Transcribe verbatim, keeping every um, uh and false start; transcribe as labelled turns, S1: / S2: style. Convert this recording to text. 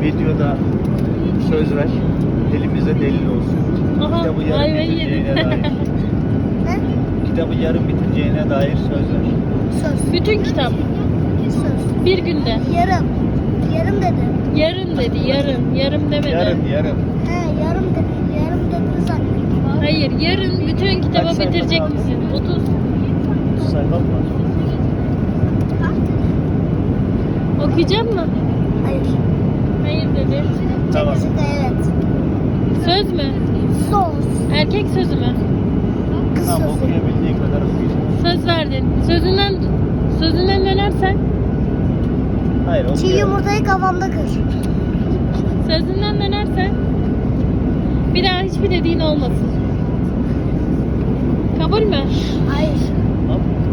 S1: videoda söz ver. Elimize delil olsun.
S2: Aha,
S1: Kitabı yarım
S2: ayva
S1: bitireceğine
S2: yedim.
S1: dair.
S3: Ne?
S1: Kitabı yarım bitireceğine dair söz ver.
S3: Söz.
S2: Bütün kitap.
S3: Söz.
S2: Bir günde.
S3: Yarım. Yarım dedim.
S2: Yarın dedi, yarın. Yarım demedi.
S1: Yarım yarım.
S3: He yarım dedim. Yarım dedim zannettim.
S2: Hayır, yarın bütün kitabı
S1: Kaç sayfa
S2: bitirecek
S1: kaldı?
S2: misin? otuz.
S1: Sayfa mı var?
S2: Okuyacak mı?
S3: Hayır.
S2: Hayır dedi.
S1: Tamam.
S3: İkisi de evet.
S2: Söz mü?
S3: Söz.
S2: Erkek sözü mü?
S3: Kız
S1: Tamam,
S3: sözü.
S1: okuyabildiğin kadar okuyacağım.
S2: Söz verdin. Sözünden sözünden dönersen,
S1: Hayır
S3: Çiğ
S1: okuyalım.
S3: yumurtayı kafamda kır.
S2: sözünden dönersen bir daha hiçbir dediğin olmasın. Kabul mü?
S3: Hayır.
S1: Tamam.